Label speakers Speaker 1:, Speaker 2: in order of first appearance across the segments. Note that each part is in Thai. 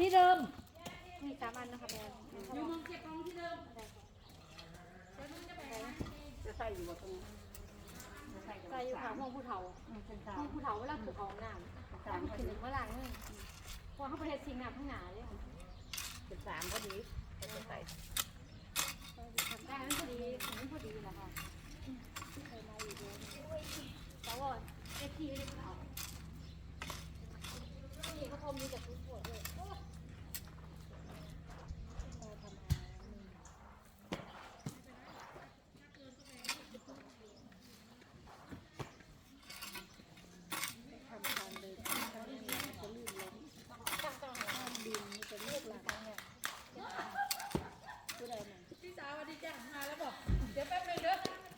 Speaker 1: ที่เดิม
Speaker 2: มี3 อันนะคะแม่
Speaker 1: อยู่มองเก็บของที่เดิม
Speaker 3: จะใส่อยู่บนตรงนี้
Speaker 2: ใส่อยู่ค่ะห้องผู้เฒ่าห้องผู้เฒ่าเวลาถูกของน้ำ3ถึงเมื่อไหร่เนี่ยพอเขาไปเฮ็ดสิ่งน้ำข้างหน้าเลย
Speaker 3: เป็น3พอดีจะใส่
Speaker 2: ทำได้นั่นพอดีนั่นพอดีแหละค่ะเคยมาอยู่ด้วยแต่ว่าเอฟทีไม่ได้เอานี่เขาทมมีแต่ทุกปวดเลย
Speaker 1: พี่สาวสวัสดีจ้ะมาแล้วบอกเดี๋ยวแป๊บนึงเด้อ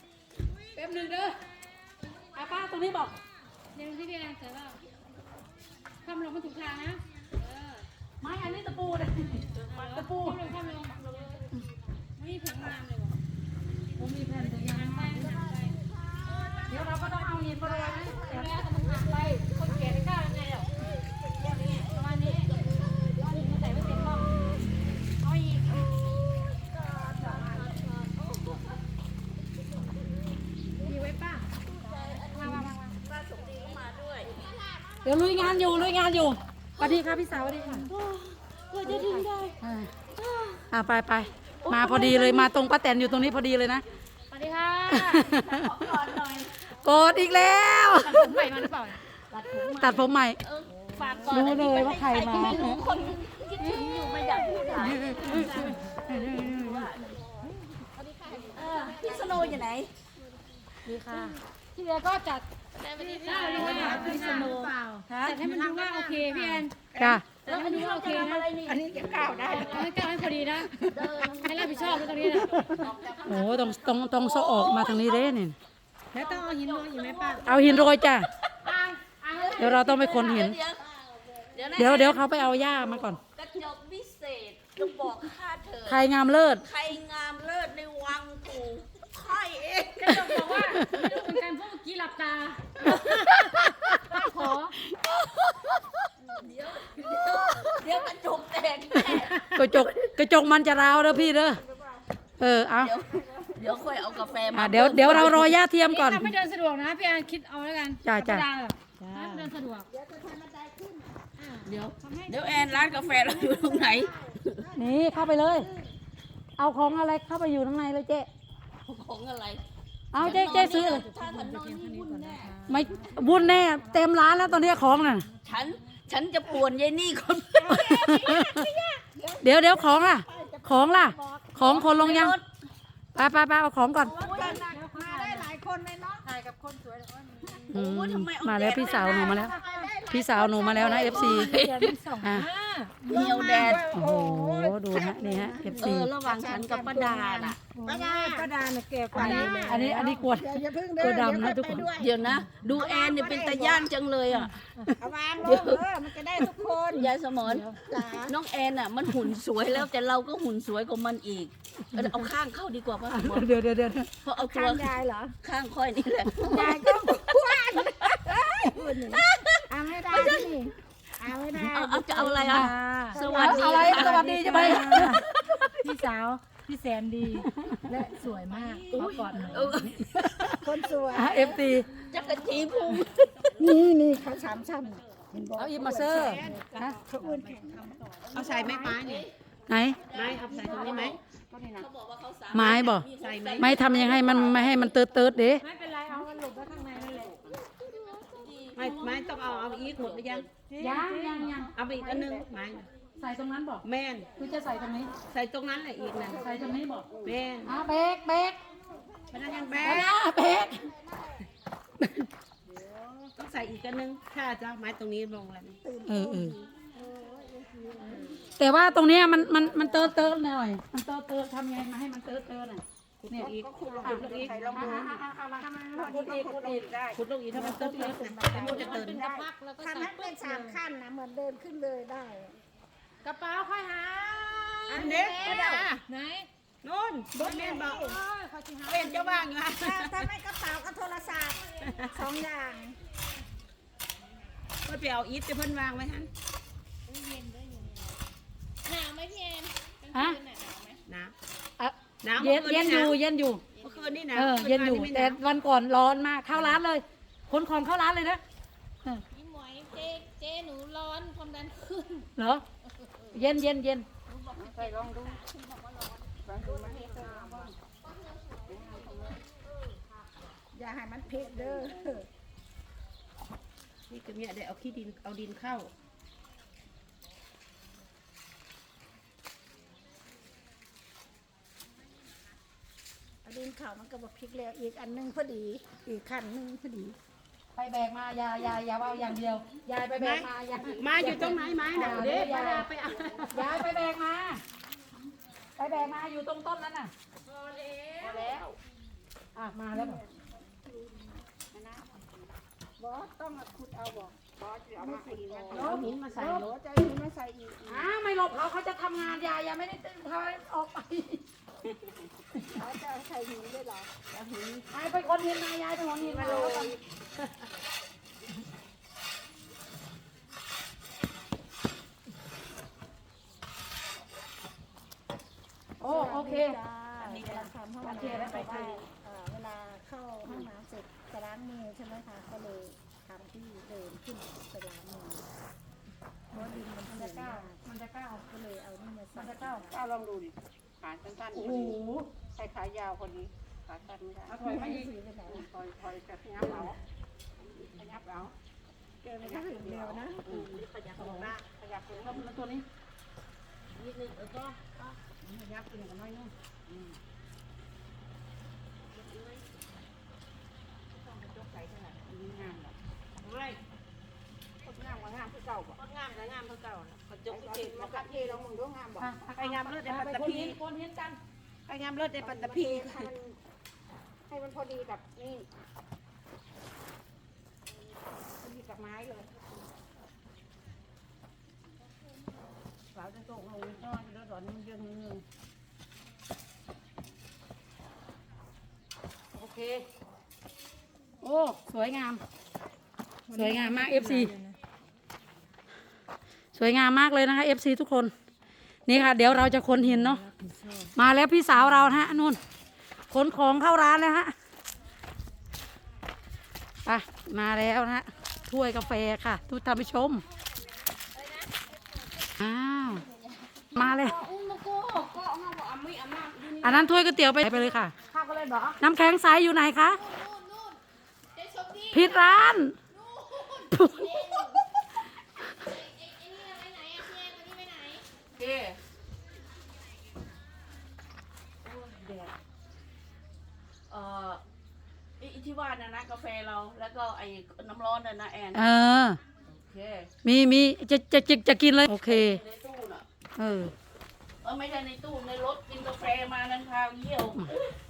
Speaker 1: ป้าตรงนี้บอก
Speaker 2: เดี๋ยวพี่แอนเสร็จแล้วทำลงมาถูกทางนะ
Speaker 1: ไม้อันนี้ตะปูเลยตะปู
Speaker 2: ทำลงไม่มีผงงามเลยว่ะ
Speaker 1: ผมมีแผ่นตัวยาง
Speaker 2: ไป
Speaker 1: เดี๋ยวเราก็ต้องเอาหินมาเลยนะ
Speaker 2: เดี๋ยวแล้วมันหักไปคนแก่ไม่กล้ายังไงหรอกประมาณนี้เอาหินมาใส่ไว้เต็มรอบเอาอีกมีไว้ป้าวาง
Speaker 1: เดี๋ยวลุยงานอยู่สวัสดีค่ะพี่สาวสวัสดีค่ะ
Speaker 2: เพื่อจะถึงได้
Speaker 1: ไปมาพอดีเลยมาตรงป้าแตนอยู่ตรงนี้พอดีเลยนะ
Speaker 2: สวัสดีค่ะก่อนหน่อย
Speaker 1: โกรธอีกแล้ว
Speaker 2: ตัดผมใหม่มาหรือเปล่า
Speaker 1: ตัดผมใหม่
Speaker 2: ฝากก่อน
Speaker 1: รู้เลยว่าใครมา
Speaker 2: ไม่รู้คนคิดถึงอยู่ไม่อยากพูดหลาย
Speaker 3: พี่สโนอยู่ไหน
Speaker 1: ดีค่ะ
Speaker 2: ที่เหลือก็จัดได้เลยค่ะ
Speaker 3: พี่สโน
Speaker 2: จัดให้มันดูว่าโอเคพี่แอน
Speaker 1: จ้ะ
Speaker 2: แล้วมันดูว่าโอเคนะ
Speaker 3: อันนี้จะก้าวได้
Speaker 2: ให้ก้าวให้พอดีนะให้รับผิดชอบตรงนี้นะ
Speaker 1: โอ้ต้องโซออกมาทางนี้เด้นี่
Speaker 2: แล้วต้องเอาหินโรยอยู่ไหมป้า
Speaker 1: เอาหินโรยจ้ะเดี๋ยวเราต้องไปคนหินเดี๋ยวเขาไปเอาหญ้ามาก่อน
Speaker 3: กระจกวิเศษจะบอกข้าเธอ
Speaker 1: ใครงามเลิศ
Speaker 3: ใครงามเลิศในวังกูค่อยเอง
Speaker 2: กระจกบอกว่าไม่รู้เหมือนกันเพราะเมื่อกี้หลับตาขอ
Speaker 3: เดี๋ยวกระจกแตกแน่
Speaker 1: กระจกมันจะร้าวเด้อพี่เด้อเอา
Speaker 3: เดี๋ยวค่อยเอากาแฟมา
Speaker 1: เดี๋ยวเรารอหญ้าเทียมก่อน
Speaker 2: ถ้าไม่เดินสะดวกนะพี่แอนคิดเอาแล้วกัน
Speaker 1: จ้า
Speaker 2: ถ้าเดินสะดวก
Speaker 3: เดี๋ยวแอนร้านกาแฟเราอยู่ตรงไหน
Speaker 1: นี่เข้าไปเลยเอาของอะไรเข้าไปอยู่ข้างในเลยเจ๊
Speaker 3: ของอะไร
Speaker 1: เอาเจ๊ซื้อเลย
Speaker 3: ถ้าถนนนี่วุ่นแน่
Speaker 1: ไม่วุ่นแน่เต็มร้านแล้วตอนนี้ของน่ะ
Speaker 3: ฉันจะป่วนยายนี่คน
Speaker 1: เดี๋ยวของล่ะของคนลงยังไปเอาของก่อน
Speaker 2: มาได้หลายคนเลยเนาะถ่ายกับคนสวย
Speaker 1: มาแล้วพี่สาวหนูมาแล้วนะ FC
Speaker 3: เดียวแดด
Speaker 1: โอ้โหดูฮะนี่ฮะ FC
Speaker 3: ระหว่างฉันกับป้าดาน่ะ
Speaker 2: ป้าดาเนี่ยแก่กว่า
Speaker 1: อันนี้กวดตัวดำนะทุกคน
Speaker 3: เดี๋ยวนะดูแอนเนี่ยเป็นตาย่านจังเลยอ่ะ
Speaker 2: วางมันจะได้ทุกคน
Speaker 3: ยายสมรน้องแอนอ่ะมันหุ่นสวยแล้วแต่เราก็หุ่นสวยกว่ามันอีกเอาข้างเข้าดีกว่าป่ะ
Speaker 1: เดี๋ยว
Speaker 3: เพราะเอาตัว
Speaker 2: ยายเหรอ
Speaker 3: ข้างค่อยนี่แหละ
Speaker 2: ยายก็คว้านเอาไม่ได้นี่เอาไม่ได้
Speaker 3: เอาจะเอาอะไรอ่ะสวัสดี
Speaker 1: ใช่ไหม
Speaker 2: พี่สาวพี่แสนดีและสวยมากขอกอดหน่อยคนสวย
Speaker 1: FT
Speaker 3: จักรจีพุง
Speaker 2: นี่เขา3 ชั้น
Speaker 1: เอาอีมาเซอร์
Speaker 2: เขาอ้วน
Speaker 3: เอาใส่ไม้ไม้เนี่ย
Speaker 1: ไหน
Speaker 3: ไม้เอาใส่ตรงนี้ไหมเขาบอกว่าเขา
Speaker 1: ไม้บอก
Speaker 3: ใส่ไหม
Speaker 1: ไม่ทำยังไงมันไม่ให้มันเติร์ดเด้
Speaker 2: ไม่เป็นไรเอามันหลบไว้ข้างในนั่นแหละ
Speaker 3: ไม่ต้องเอาอีกหมดหรือยังเอาไปอีกอันนึงไม้
Speaker 1: ใส่ตรงนั้นบอก
Speaker 3: แม่น
Speaker 1: คือจะใส่ตรงนี้
Speaker 3: ใส่ตรงนั้นแหละอีกนะ
Speaker 1: ใส่ตรงนี้บอก
Speaker 3: แม่น
Speaker 1: เบรก
Speaker 3: มันยังเบรกต้องใส่อีกอันนึงถ้าจะไม้ตรงนี้ลงแล้ว
Speaker 1: แต่ว่าตรงนี้มันเติร์ดหน่อยมันเติร์ดทำไงมาให้มันเติร์ดหน่อย
Speaker 3: เนี่ยอีกขุดลงอีกขุดลงอีกถ้ามันเติร์ดนะมันจะเติร์ด
Speaker 2: ทำให้เป็น3 ขั้นนะเหมือนเดินขึ้นเลยได้กระเป๋าค่อยหา
Speaker 3: อันเด็ก
Speaker 2: ไหน
Speaker 3: นู่นรถเมล์บอกเป็นเจ้าบ้างอยู่ฮะ
Speaker 2: ถ้าไม่กระเป๋าก็โทรศัพท์2 อย่าง
Speaker 3: เพื่อไปเอาอีทจะเพิ่นวางไว้ฮะ
Speaker 1: ฮะ
Speaker 3: น้
Speaker 1: อ่ะ
Speaker 3: ำน้ำ
Speaker 1: เย็น
Speaker 3: มื่อ
Speaker 1: เย็น
Speaker 3: คื
Speaker 1: อยู่
Speaker 3: ะ
Speaker 1: เย็นอยู่
Speaker 3: เมื่อคืนนี่นะ
Speaker 1: เย็นอยู่
Speaker 3: มื่คื
Speaker 1: แต่
Speaker 3: ไม่หาว
Speaker 1: วันก่อนร้อนมากเข้าร้านเลยขนของเข้าร้านเลยนะ
Speaker 2: พี่หมวยเจ๊หนูร้อนความดันขึ้น
Speaker 1: เหรอเย็นเย็นเย็น
Speaker 2: ใส่ลองดู
Speaker 4: อย่าให้มันเผ็ดเด้อ
Speaker 3: นี่ก็เนี่ยได้เอาขี้ดินเอาดินเข้า
Speaker 4: เอาดินข้าวมันก็บอกพริกแล้วอีกอันหนึงพอดี อีกขั้นหนึงพอดี
Speaker 1: ไปแบกมายายาว่าอย่างเดียวยายไปแบกมายาย
Speaker 3: มาอยู่ตรงไหนไม้น่ะเด้ป้าดาไปเอา
Speaker 1: ยายไปแบกมาไปแบกมาอยู่ตรงต้นนั้นน่ะ
Speaker 3: พอแล้ว
Speaker 1: อ่ะมาแล้วบอก
Speaker 4: บอสต้องมาขุดเอาบอก
Speaker 3: เอาหินมาใส่รถ
Speaker 4: จะเอาหินมาใส่อีก
Speaker 1: อ้าวไม่หลบเขาจะทำงานยายยังไม่ได้ตื่นพาออกไป
Speaker 4: เขาจะเอาใส่หินด้วยเหรอ
Speaker 1: ไปคนเห็นมายายไปคนเห็นมาแล้วกันโอ้โอเค
Speaker 4: อันนี้กำลังทำห้อง
Speaker 1: โอ
Speaker 4: น้ำ
Speaker 1: เคแล้วไปคุย
Speaker 4: เวลาเข้าห้องน้ำเสร็จจะล้างมือใช่ไหมคะก็เลยทำที่เดินขึ้นไปล้างมือเพราะดินมัน
Speaker 1: มัน
Speaker 4: สู
Speaker 1: จะ
Speaker 4: ง
Speaker 1: ก้าม
Speaker 4: าว ก
Speaker 1: มันจะก้าว
Speaker 4: ก็เลยเอานี่มาใส่
Speaker 1: มันจะก้าว
Speaker 5: ก้าวลองดูดิขาสั้นๆ
Speaker 1: โอ้
Speaker 5: พอ
Speaker 1: โห
Speaker 5: ดีใส่ขายาวพอดีขาสั้นไม่ได้
Speaker 1: เอาถอยมาอีก
Speaker 4: สีไปไหน
Speaker 5: ถอยจะขยับเอาขยับเอา
Speaker 4: เกินไปก็ถึงเร็วนะ
Speaker 5: ขยับลงหน้าขยับลงแล้วตัวนี้
Speaker 3: นิดนึงแล้วก็
Speaker 5: ขยับตัวนี้กันน้อยนึงต้องไปยกใส่เท่าไหร่ดีงามหรอไม่ก็งามกว่างามคือเก่าบ่
Speaker 3: ก็งามแล้วงามเท่าเก่าน่ะเขาจก
Speaker 5: ไป
Speaker 3: เก็บ
Speaker 5: มา
Speaker 3: มา
Speaker 5: คัดเทลองมึงดูงามบ่
Speaker 3: ไปงามเลิศในปัตต
Speaker 1: คน
Speaker 3: ภี
Speaker 1: เห็นคนเห็นกัน
Speaker 5: ไปงามเลิศในปัตตภีให้มันพอดีกับนี่พอดีกับไม้เลยเราจะตกลงนอนแล้วตอนนี้มันยังนึง
Speaker 1: โอเคโอ้สวยงาม สวยงามมาก FC สวยงามมากเลยนะคะ FC ทุกคน นี่ค่ะ เดี๋ยวเราจะขนหินเนาะมาแล้วพี่สาวเรานะฮะนู่นขนของเข้าร้านแล้วฮะไปมาแล้วนะฮะถ้วยกาแฟค่ะทุกท่านผู้ชมอ้าวมาเลยอันนั้นถ้วยก๋วยเตี๋ยวไปเลยค่ะ
Speaker 5: ข้าวก็เลยบอก
Speaker 1: น้ำแข็งใสอยู่ไหนคะ
Speaker 2: นู่นเจ๊ชมพู่
Speaker 1: ผิดร้าน
Speaker 2: ไอ้นี่ไปไหนอ่ะพี่แอนวันนี้ไปไหน
Speaker 3: โอเคแดดไอ้ที่ว่านะกาแฟเราแล้วก็ไอ้น้ำร้อนน่ะนะแอน
Speaker 1: เออ
Speaker 3: โอเค
Speaker 1: มีจะกินเลย โอเค
Speaker 3: ในตู้น่ะ
Speaker 1: เออ
Speaker 3: ไม่ได้ในตู้ในรถกินกาแฟมานั้นพาเยี่ยว